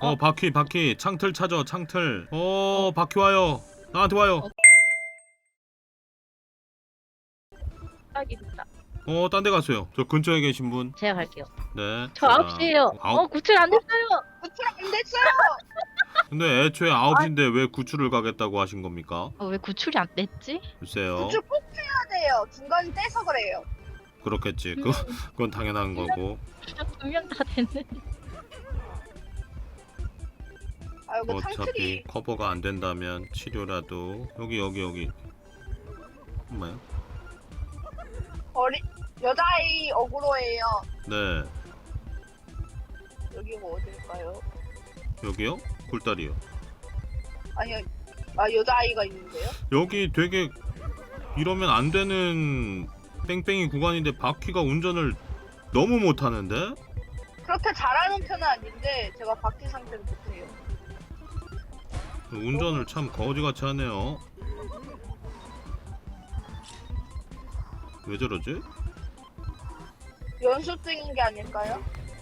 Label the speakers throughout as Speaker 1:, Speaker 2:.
Speaker 1: 바퀴 창틀 찾아 창틀. 바퀴 와요. 나한테 와요.
Speaker 2: 딱입니다.
Speaker 1: 딴 데 갔어요. 저 근처에 계신 분.
Speaker 2: 제가 갈게요.
Speaker 1: 네.
Speaker 2: 저 9시에요. 구출 안 됐어요.
Speaker 3: 구출 안 됐어요.
Speaker 1: 근데 애초에 9시인데 왜 구출을 가겠다고 하신 겁니까?
Speaker 2: 왜 구출이 안 됐지?
Speaker 1: 글쎄요.
Speaker 3: 구출 꼭 해야 돼요. 중간에 떼서 그래요.
Speaker 1: 그렇겠지. 그건 당연한 거고.
Speaker 2: 분명 다 됐는데.
Speaker 3: 아 이거
Speaker 1: 어차피
Speaker 3: 창틀이
Speaker 1: 커버가 안 된다면 치료라도 여기. 엄마야.
Speaker 3: 여자아이 어그로예요.
Speaker 1: 네.
Speaker 3: 여기가 어딜까요?
Speaker 1: 여기요? 굴다리요.
Speaker 3: 아니요. 여자아이가 있는데요?
Speaker 1: 여기 되게 이러면 안 되는 뺑뺑이 구간인데 바퀴가 운전을 너무 못하는데?
Speaker 3: 그렇게 잘하는 편은 아닌데 제가 바퀴 상태를 못해요.
Speaker 1: 운전을 참 거지같이 하네요. 왜 저러지?
Speaker 3: 연습 중인 게 아닐까요?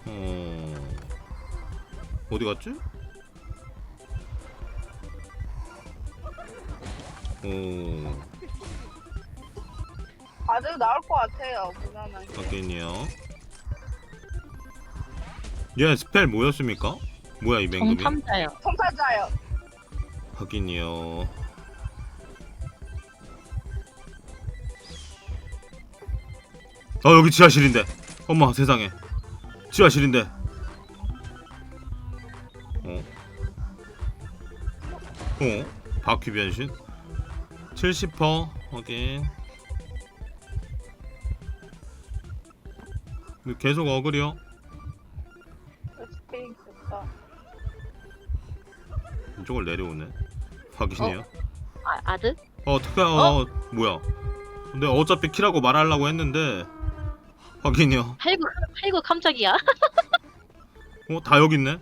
Speaker 1: 어디 갔지?
Speaker 3: 아주 나올 것 같아요. 무난하게.
Speaker 1: 확인이요. 얘 스펠 뭐였습니까? 뭐야 이 맹금이?
Speaker 2: 정탐자요.
Speaker 3: 탐사자요.
Speaker 1: 확인이요. 여기 지하실인데. 엄마 세상에. 지하실인데. 바퀴 변신 70% 확인. 계속 어글이요.
Speaker 3: 스페인 좋다.
Speaker 1: 이쪽을 내려오네. 확인이요.
Speaker 2: 아드?
Speaker 1: 뭐야. 근데 어차피 키라고 말하려고 했는데 확인이요.
Speaker 2: 아이고 깜짝이야.
Speaker 1: 다 여기 있네.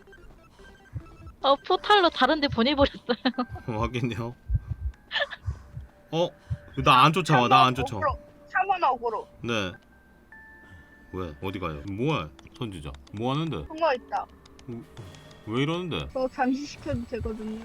Speaker 2: 포탈로 다른데 보내버렸어요.
Speaker 1: 확인이요. 나 안 쫓아와. 나 안 쫓아와.
Speaker 3: 3원 어그로.
Speaker 1: 네. 왜? 어디 가요? 뭐야? 선지자. 뭐 하는데?
Speaker 3: 한거 있다.
Speaker 1: 왜 이러는데?
Speaker 3: 저 잠시 시켜도 되거든요.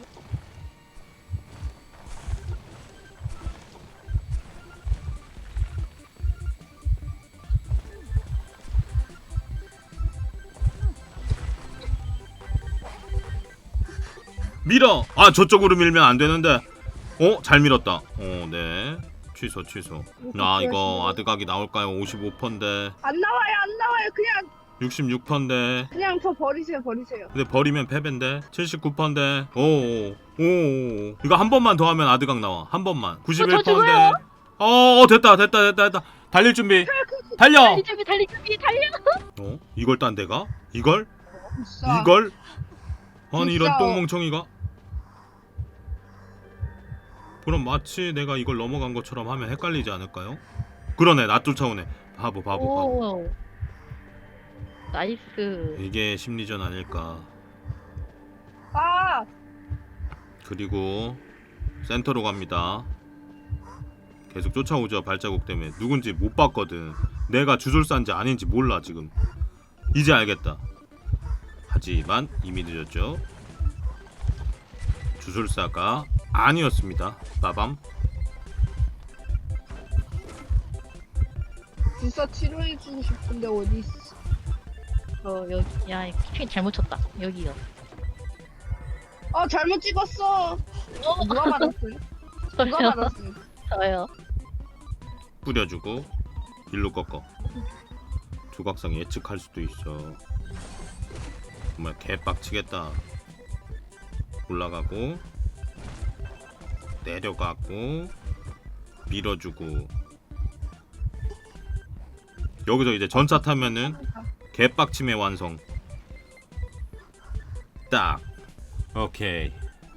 Speaker 1: 밀어! 저쪽으로 밀면 안 되는데. 잘 밀었다. 네. 취소. 이거 아드각이 나올까요? 55%인데.
Speaker 3: 안 나와요. 그냥
Speaker 1: 66%인데.
Speaker 3: 그냥 저 버리세요.
Speaker 1: 근데 버리면 패배인데. 79%인데. 오. 이거 한 번만 더 하면 아드각 나와. 한 번만. 91%인데. 됐다. 달릴 준비. 달려!
Speaker 2: 달리 준비 달려.
Speaker 1: 이걸 딴 데가? 이걸?
Speaker 3: 진짜.
Speaker 1: 이걸? 아니
Speaker 3: 진짜.
Speaker 1: 이런 똥멍청이가? 그럼 마치 내가 이걸 넘어간 것처럼 하면 헷갈리지 않을까요? 그러네. 나 쫓아오네. 바보.
Speaker 2: 오. 나이스.
Speaker 1: 이게 심리전 아닐까. 그리고 센터로 갑니다. 계속 쫓아오죠. 발자국 때문에. 누군지 못 봤거든. 내가 주술사인지 아닌지 몰라 지금. 이제 알겠다. 하지만 이미 늦었죠. 주술사가 아니었습니다. 빠밤.
Speaker 3: 주사 치료해주고 싶은데 어디 있어?
Speaker 2: 여기 키팅 잘못 쳤다. 여기요.
Speaker 3: 잘못 찍었어. 누가 맞았어요? 누가 맞았어요?
Speaker 2: 저요.
Speaker 1: 뿌려주고 일로 꺾어. 조각상 예측할 수도 있어. 정말 개빡치겠다. 올라가고 내려가고 밀어주고. 여기서 이제 전차 타면은 개빡침의 완성. 딱. 오케이.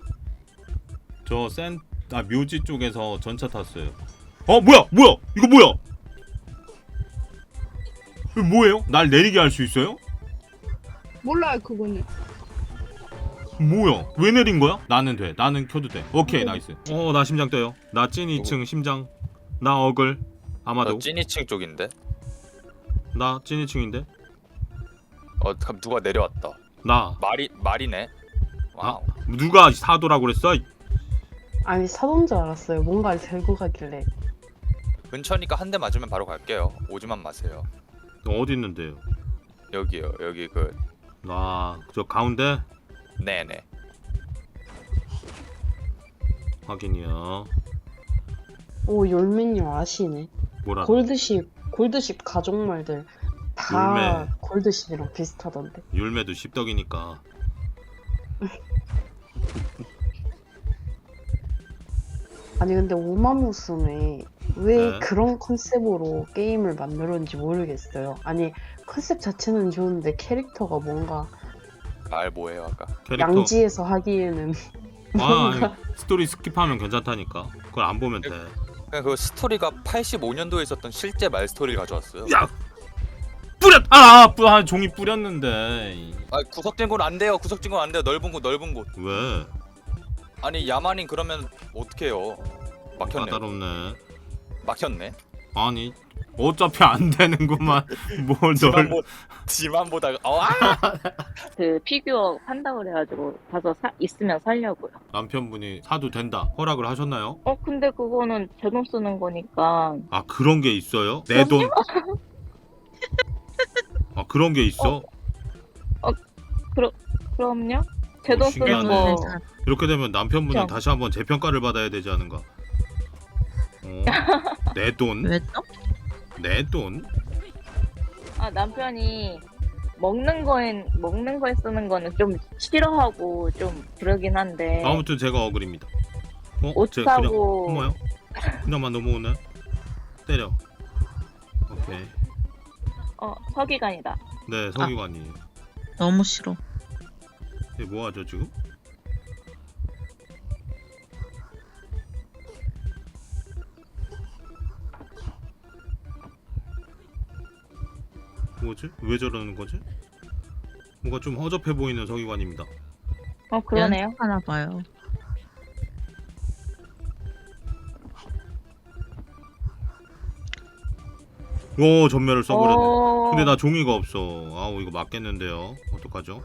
Speaker 1: 묘지 쪽에서 전차 탔어요. 뭐야 이거 뭐야? 이거 뭐예요? 날 내리게 할 수 있어요?
Speaker 3: 몰라요 그거는.
Speaker 1: 뭐야? 왜 내린 거야? 나는 돼. 나는 켜도 돼. 오케이, 나이스. 나 심장 떠요. 나 찐 2층 심장. 나 어글. 아마도.
Speaker 4: 너 찐이층 쪽인데?
Speaker 1: 나 찐 2층인데.
Speaker 4: 그럼 누가 내려왔다.
Speaker 1: 나.
Speaker 4: 말이네. 와우.
Speaker 1: 누가 사도라고 그랬어?
Speaker 5: 아니 사돈 줄 알았어요. 뭔가를 들고 가길래.
Speaker 4: 근처니까 한 대 맞으면 바로 갈게요. 오지만 마세요.
Speaker 1: 어디 있는데요?
Speaker 4: 여기요. 여기 그
Speaker 1: 저 가운데
Speaker 4: 네네.
Speaker 1: 확인이요.
Speaker 5: 오 열매님 아시네.
Speaker 1: 뭐라?
Speaker 5: 골드십 가족말들 다
Speaker 1: 열매.
Speaker 5: 골드십이랑 비슷하던데.
Speaker 1: 율매도 십덕이니까.
Speaker 5: 아니 근데 우마무스메 왜
Speaker 1: 네.
Speaker 5: 그런 컨셉으로 게임을 만들었는지 모르겠어요. 아니 컨셉 자체는 좋은데 캐릭터가 뭔가
Speaker 4: 말 뭐예요 아까?
Speaker 1: 캐릭터.
Speaker 5: 양지에서 하기에는
Speaker 1: 아니, 스토리 스킵하면 괜찮다니까. 그걸 안 보면 돼.
Speaker 4: 그냥 그 스토리가 85년도에 있었던 실제 말 스토리를 가져왔어요.
Speaker 1: 야! 종이 뿌렸는데.
Speaker 4: 아 구석진군 안 돼요. 구석진군 안 돼요. 넓은 곳.
Speaker 1: 왜?
Speaker 4: 아니 야만인 그러면 어떡해요? 막혔네.
Speaker 1: 까다롭네.
Speaker 4: 막혔네.
Speaker 1: 아니 어차피 안 되는구만. 뭘 널.
Speaker 4: 지만 보다가
Speaker 2: 그 피규어 판다 그래가지고 가서 있으면 살려고요.
Speaker 1: 남편분이 사도 된다 허락을 하셨나요?
Speaker 2: 근데 그거는 제 돈 쓰는 거니까.
Speaker 1: 아 그런 게 있어요? 내 돈. 아 그런 게 있어?
Speaker 2: 그럼요. 제 돈 쓰는
Speaker 1: 신기하네.
Speaker 2: 거.
Speaker 1: 이렇게 되면 남편분이
Speaker 2: 그쵸.
Speaker 1: 다시 한번 재평가를 받아야 되지 않은가? 내 돈?
Speaker 6: 왜 또?
Speaker 1: 내 돈?
Speaker 2: 남편이 먹는 거에 쓰는 거는 좀 싫어하고 좀 그러긴 한데.
Speaker 1: 아무튼 제가 어글입니다.
Speaker 2: 옷
Speaker 1: 제 그냥
Speaker 2: 사고.
Speaker 1: 어머요? 그냥만 넘어오네. 때려. 오케이.
Speaker 2: 서기관이다.
Speaker 1: 네 서기관이에요.
Speaker 6: 너무 싫어.
Speaker 1: 얘 뭐하죠 지금? 뭐지? 왜 저러는 거지? 뭔가 좀 허접해 보이는 서기관입니다.
Speaker 2: 그러네요.
Speaker 6: 하나 봐요.
Speaker 1: 오 전멸을 써버렸네.
Speaker 2: 어.
Speaker 1: 근데 나 종이가 없어. 아우 이거 맞겠는데요. 어떡하죠?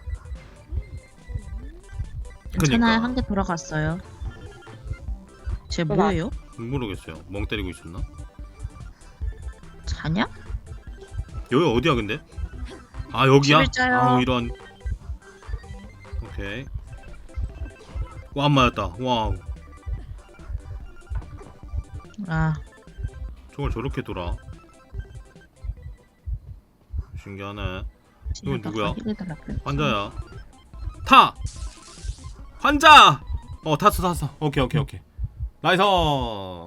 Speaker 6: 괜찮아요. 한 개 돌아갔어요. 쟤
Speaker 2: 그거
Speaker 6: 뭐예요?
Speaker 1: 모르겠어요. 멍 때리고 있었나?
Speaker 6: 자냐?
Speaker 1: 여기 어디야 근데? 아 여기야?
Speaker 6: 11자요.
Speaker 1: 아우 이런. 오케이. 와 안 맞았다. 와우.
Speaker 6: 아,
Speaker 1: 저걸 저렇게 돌아. 신기하네. 이건 누구야? 환자야. 타! 환자! 탔어. 오케이. 나이스!